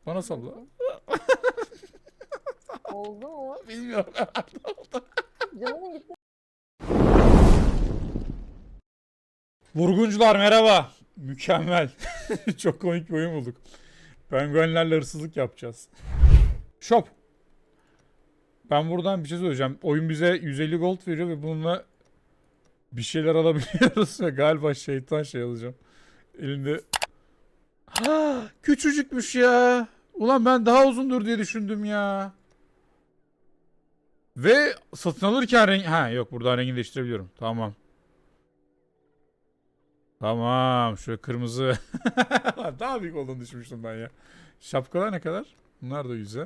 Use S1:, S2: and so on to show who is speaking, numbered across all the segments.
S1: Bana salla.
S2: Bakayım. Oldu mu?
S1: Bilmiyorum.
S2: Canım gitti.
S1: Vurguncular merhaba. Mükemmel. Çok komik bir oyun bulduk. Penguenlerle hırsızlık yapacağız. Shop. Ben buradan bir şey söyleyeceğim. Oyun bize 150 gold veriyor ve bununla bir şeyler alabiliyoruz ve galiba şeytan şey alacağım. Elimde... Ha, küçücükmüş ya. Ulan ben daha uzundur diye düşündüm ya. Ve satın alırken renk... Ha yok, buradan rengini değiştirebiliyorum. Tamam. Tamam. Şöyle kırmızı. Daha büyük olduğunu düşünmüştüm ben ya. Şapkalar ne kadar? Bunlar da 100'e.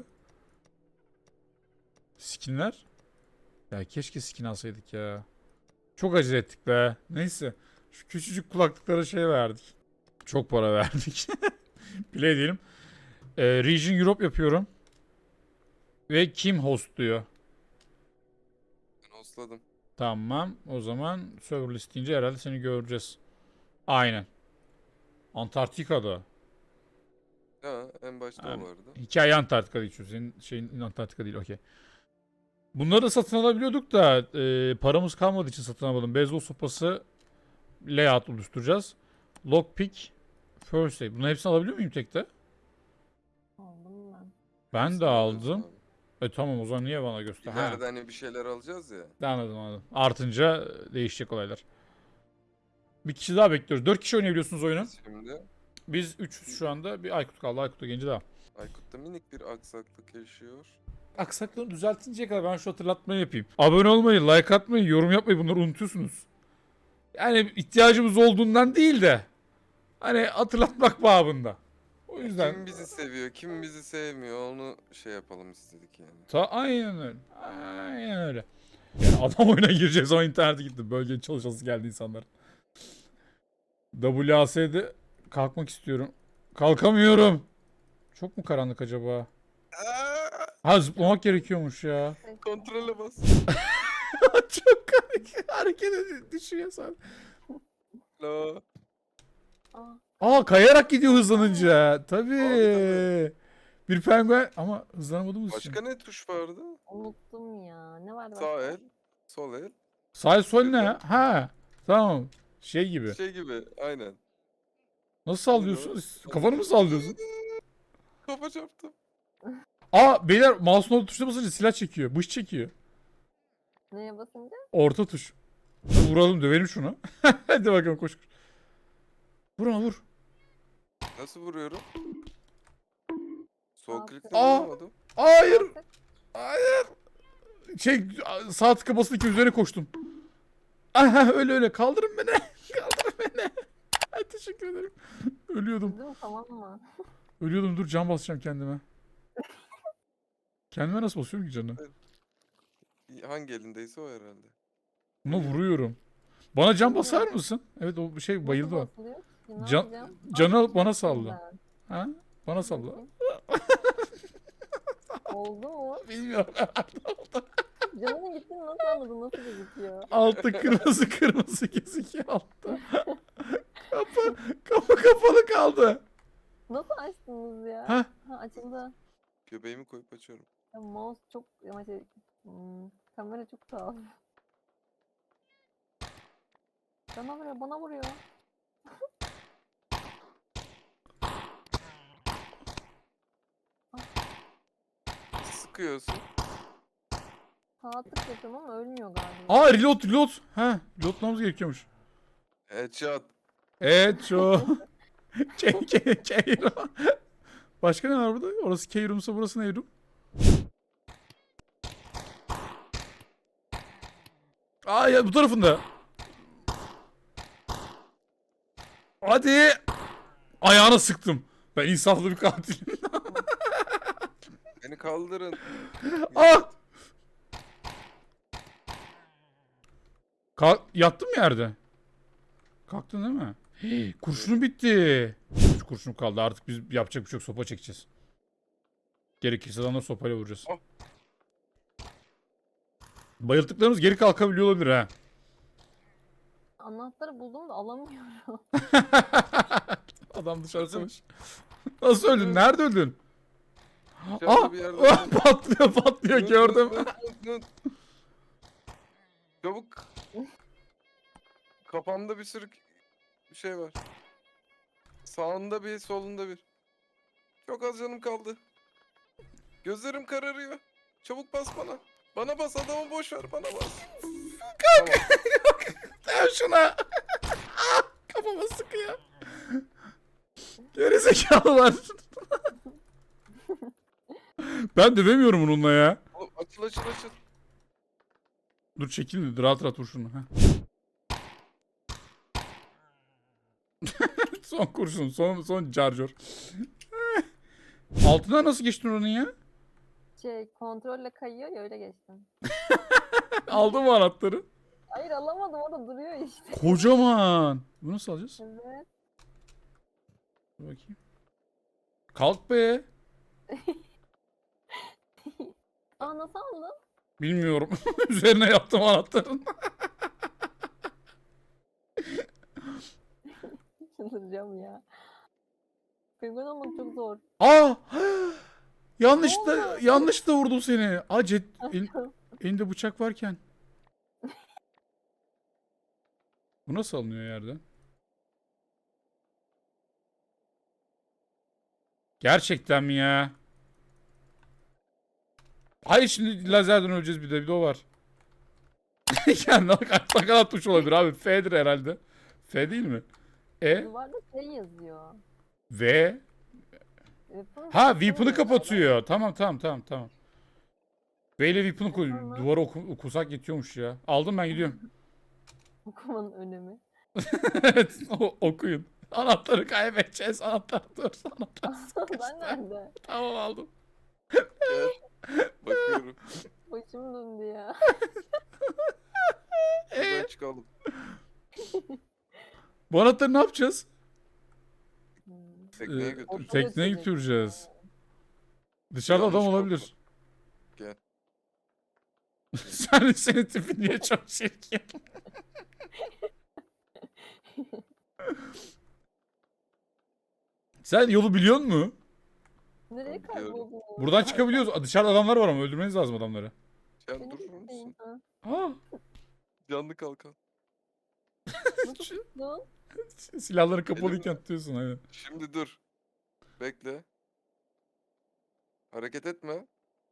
S1: Skinler? Ya keşke skin alsaydık ya. Çok acele ettik be. Neyse. Şu küçücük kulaklıklara şey verdik. Çok para verdik. Play diyelim. Region Europe yapıyorum. Ve kim hostluyor?
S3: Ben hostladım.
S1: Tamam. O zaman server listince herhalde seni göreceğiz. Aynen. Antarktika'da.
S3: Ha, en başta
S1: Yani,
S3: o vardı.
S1: hikaye Antarktika'da geçiyor. Senin şeyin Antarktika değil. Okey. Bunları da satın alabiliyorduk da paramız kalmadığı için satın almadım. Beyzbol sopası layout oluşturacağız. Lockpick, first aid. Bunların hepsini alabiliyor muyum tekte?
S2: Aldım ben.
S1: Ben de
S3: Hepsini alıyorsun
S1: aldım.
S3: abi.
S1: Tamam, o zaman niye bana göster? Ha,
S3: İleride hani bir şeyler alacağız ya.
S1: anladım. Artınca değişecek olaylar. Bir kişi daha bekliyoruz. 4 kişi oynayabiliyorsunuz oyunu.
S3: Biz şimdi
S1: Biz 3'üz şu anda. Bir Aykut kaldı. Aykut'ta genci daha.
S3: Aykut'ta minik bir aksaklık yaşıyor.
S1: Aksaklığını düzeltinceye kadar ben şu hatırlatmayı yapayım. Abone olmayı, like atmayı, yorum yapmayı, bunları unutuyorsunuz. Yani ihtiyacımız olduğundan değil de hani hatırlatmak babında. O yüzden
S3: Kim bizi seviyor, kim bizi sevmiyor onu şey yapalım istedik yani.
S1: aynen öyle. Aynen öyle. Yani adam oyuna gireceğiz ama internete gitti. Bölgenin çalışası geldi insanlar. WAS'de kalkmak istiyorum. Kalkamıyorum. Çok mu karanlık acaba? Ha, zıplamak gerekiyormuş ya.
S3: Kontrole bas.
S1: Çok komik. Hareket ediyor. Düşüyor sen.
S3: Lo.
S2: Aa,
S1: Aa, kayarak gidiyor hızlanınca. Tabii.
S3: Tabii.
S1: Bir penguen ama hızlanamadığımız için.
S3: Başka ne tuş vardı?
S2: unuttum ya. Ne vardı
S3: Sağ
S2: başka?
S3: el, sol el.
S1: Sağ sol ne? Ha. Tamam. Şey gibi.
S3: Şey gibi, aynen.
S1: Nasıl sallıyorsun? Kafanı mı sallıyorsun?
S3: Kafa çarptım.
S1: Aa beyler, mouse'un orta tuşuna basınca silah çekiyor. Bıç çekiyor.
S2: Neye basınca?
S1: Orta tuş. Vuralım, dövelim şunu. Hadi bakalım, koş. Vur ona, vur.
S3: Nasıl vuruyorum? Sol
S2: Aa,
S3: klikle
S1: aa.
S3: vuramadım.
S1: Hayır.
S2: Artık
S1: Hayır. Şey, sağ tıka basılı ki üzerine koştum. Aha, öyle. Kaldırın beni. Kaldırın beni. Ay, teşekkür ederim. Ölüyordum.
S2: üzüm tamam mı?
S1: Ölüyordum, dur can basacağım kendime. Kendime nasıl basıyorum ki canı?
S3: Hangi elindeyse o herhalde.
S1: Buna vuruyorum. Bana can basar mısın? Evet, o şey bayıldı o.
S2: Nasıl basılıyor ki? Ne
S1: Can,
S2: yapacağım?
S1: canı alıp bana
S2: Yaptım
S1: salla.
S2: ben.
S1: Ha? Bana salla.
S2: Bakayım. Oldu mu?
S1: Bilmiyorum.
S2: Canımın gittiğini nasıl anladın? Nasıl gözüküyor?
S1: Altta kırmızı gözüküyor altta. Kapı kapalı kaldı.
S2: Nasıl açtınız ya?
S1: Ha?
S2: Ha, açıldı.
S3: Göbeğimi koyup açıyorum.
S2: Ya, mouse çok ama şey, kamera çok tuhaf. Bana vuruyor.
S3: Sıkıyorsun.
S2: Sağ tık yapıyorum ama ölmüyor galiba.
S1: Aa, reload. Ha, reloadlamamız gerekiyormuş.
S3: Headshot.
S1: Evet, şu. Keyro. Başka ne var burada? Orası Keyro'msa burası ne room? Aa ya, bu tarafında. Hadi. Ayağına sıktım. Ben insaflı bir katilim.
S3: Beni kaldırın.
S1: Ah! Yattın mı yerde? Kalktın değil mi? Hey, kurşunum bitti. 3 kurşunum kaldı. Artık biz yapacak bir şey yok. Sopa çekeceğiz. Gerekirse adamları sopayla vuracağız.
S3: Oh.
S1: Bayıldıklarımız geri kalkabiliyor olabilir ha.
S2: Anahtarı buldum da alamıyorum.
S1: Adam dışarı savaş. Nasıl öldün? Nerede öldün?
S3: Dışarıda
S1: Aa!
S3: bir yerde.
S1: Patlıyor gördüm.
S3: Dön. Çabuk. Kafamda bir sürü bir şey var. Sağında bir, solunda bir. Çok az canım kaldı. Gözlerim kararıyor. Çabuk bas bana. Bana bas, adamı boş ver, bana bas. Tamam.
S1: Dön şuna. Kafama sıkıyor. Gerizekalılar. Ben dövemiyorum bununla ya.
S3: Oğlum, açıl.
S1: Dur çekil, rahat rahat vur şunu. Heh. Son kurşun, son charger. Altından nasıl geçtin onun ya?
S2: Kontrolle kayıyor ya, öyle geçtim.
S1: Aldın mı anahtarı?
S2: Hayır, alamadım, orada duruyor işte.
S1: Kocaman. Bunu nasıl alacağız?
S2: Evet.
S1: Dur bakayım. Kalk be.
S2: Aa, nasıl aldın?
S1: Bilmiyorum. Üzerine yaptım anahtarın.
S2: Çıldıracağım ya. Penguen olmak çok zor.
S1: Aa!
S2: Ne
S1: Yanlış da vurdum seni. Elinde bıçak varken. Bu nasıl alınıyor yerden? Gerçekten mi ya? Hayır, şimdi lazerden öleceğiz, bir de o var. Yani ne kadar tuş olabilir abi? F'dir herhalde. F değil mi? E,
S2: Duvarda şey yazıyor.
S1: V. Ha, weapon'ı kapatıyor. Tamam. V ile weapon'ı koy.
S2: Tamam.
S1: Duvara okusak yetiyormuş ya. Aldım, ben gidiyorum.
S2: Okumanın önemi.
S1: Evet, okuyun. Anahtarı kaybedeceğiz. Anahtar.
S2: Ben nerede?
S1: Tamam, aldım.
S3: Gel. Bakıyorum.
S2: Başım döndü ya.
S3: Buradan çıkalım.
S1: Bu anahtarı ne yapacağız?
S3: Tekneye
S1: Ee,
S3: götür.
S1: Tekneye götüreceğiz. Dışarıda
S3: Yanlış
S1: adam
S3: kapı.
S1: olabilir.
S3: Gel.
S1: Senin tipin niye çok çirkin? Sen yolu biliyor musun?
S2: Nereye
S3: Biliyorum.
S2: kayboldun?
S1: Buradan çıkabiliyoruz. Dışarıda adamlar var ama öldürmeniz lazım adamları.
S3: Sen
S2: Beni
S3: durur
S2: bekleyin,
S3: musun?
S2: ha.
S1: Aa,
S3: Canlı kalkan.
S2: Nasıl tuttun?
S1: silahları kapalıyken tutuyorsun aynen.
S3: Şimdi dur. Bekle. Hareket etme.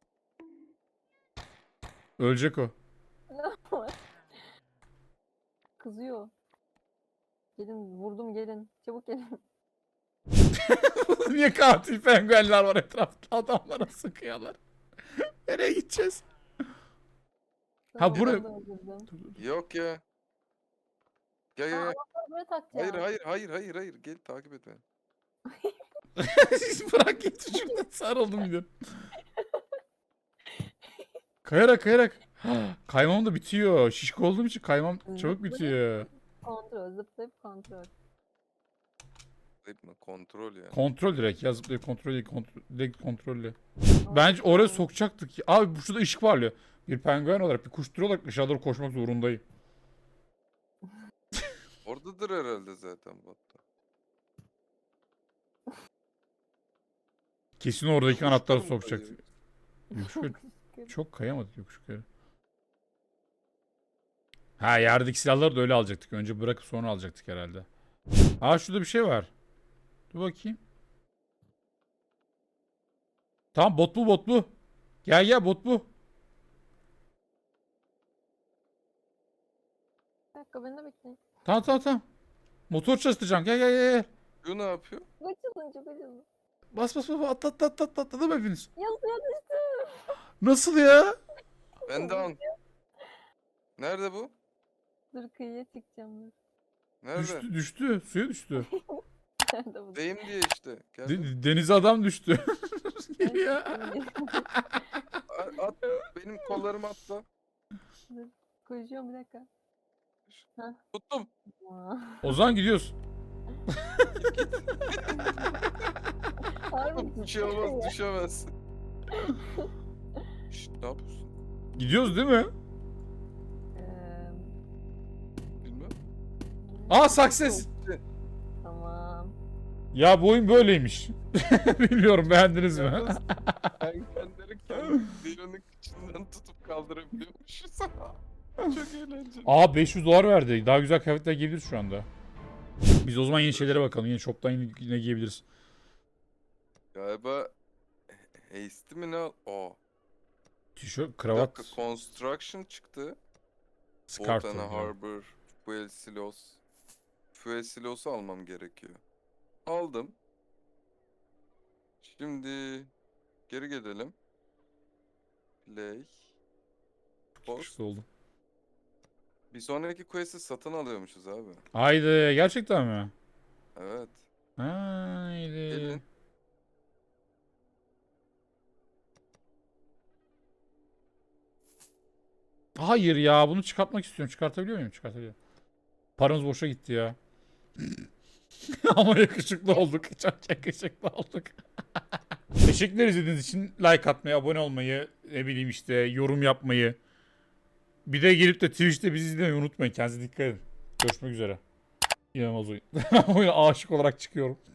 S1: Ölecek o.
S2: Ne var? Kızıyor. Gelin, vurdum, gelin. Çabuk gelin.
S1: Niye katil penguenler var etrafta, adamlara sıkıyorlar. Nereye gideceğiz?
S2: Tamam,
S1: buraya-
S2: ben de öldürdüm.
S3: Yok ya. Gel.
S2: Böyle takacağım.
S3: Hayır. Gel takip et beni.
S1: Bırak git şuradan, sarıldım bir de. Kayarak. Kaymam da bitiyor. Şişko olduğum için kaymam çabuk bitiyor.
S2: Kontrol, zıplayıp kontrol.
S3: Zıplayıp kontrol ya.
S1: Kontrol direkt ya, zıplayıp kontrol değil, direkt kontrolle. Bence oraya sokacaktık. Abi şurada ışık parlıyor. Bir penguen olarak, bir kuş türü olarak dışarı doğru koşmak zorundayım.
S3: Oradadır herhalde zaten botta.
S1: Kesin oradaki anahtarı sokacaktık.
S3: Yokuş
S1: Yokuş çok kayamadık yokuş yukarı. Ha, yerdeki silahları da öyle alacaktık. Önce bırakıp sonra alacaktık herhalde. Aa, şurada bir şey var. Dur bakayım. Tamam, bot bu. Gel bot bu.
S2: Bir dakika, beni de bekleyin.
S1: Tamam. Motor çalıştıracağım. Gel.
S3: Bu ne yapıyor?
S2: Çok acıdı.
S1: Bas atladım hepiniz.
S2: Ya, suya düştüm.
S1: Nasıl ya?
S3: Ben de an. Nerede bu?
S2: Dur, kıyıya çıkacağım. Dur.
S3: Nerede?
S1: Düştü. Suya düştü.
S2: Nerede bu?
S3: Deyim diye işte. Gel.
S1: Denize adam düştü. Ya.
S3: At. Benim kollarımı atla.
S2: Koşuyorum, bir dakika.
S3: Tuttum.
S2: Aa.
S1: Ozan, gidiyoruz.
S2: Harbi
S3: Bir şey olmaz, düşemez. Şşt, ne yapıyorsun?
S1: Gidiyoruz değil mi?
S3: Bilmem.
S1: Aa, success.
S2: Tamam.
S1: Ya bu oyun böyleymiş. Bilmiyorum, beğendiniz mi?
S3: Ben içinden tutup kaldırabiliyormuşuz. Çok eğlenceli.
S1: Aa, $500 verdi. Daha güzel kıyafetler giyebiliriz şu anda. Biz o zaman yeni şeylere bakalım. Yine shop'tan yine giyebiliriz.
S3: Galiba Hasty mi ne?
S1: Tişört,
S3: Bir
S1: kravat,
S3: dakika, Construction çıktı.
S1: scarf.
S3: Botana
S1: oldu.
S3: Harbor, Fuel Silos. Fuel Silos'u almam gerekiyor. Aldım. Şimdi geri gelelim. Play. Post.
S1: Güçlü oldu.
S3: Bir sonraki quest'i satın alıyormuşuz abi.
S1: Haydi, gerçekten mi?
S3: Evet.
S1: Haydi.
S3: Gelin.
S1: Hayır ya, bunu çıkartmak istiyorum. Çıkartabiliyor muyum? Çıkartabiliyorum. Paramız boşa gitti ya. Ama yakışıklı olduk. Çok yakışıklı olduk. Teşekkürler izlediğiniz için. Like atmayı, abone olmayı, ne bileyim işte yorum yapmayı. Bir de gelip de Twitch'te bizi izlemeyi unutmayın. Kendinize dikkat edin. Görüşmek üzere. İnanılmaz oyun. Oyuna aşık olarak çıkıyorum.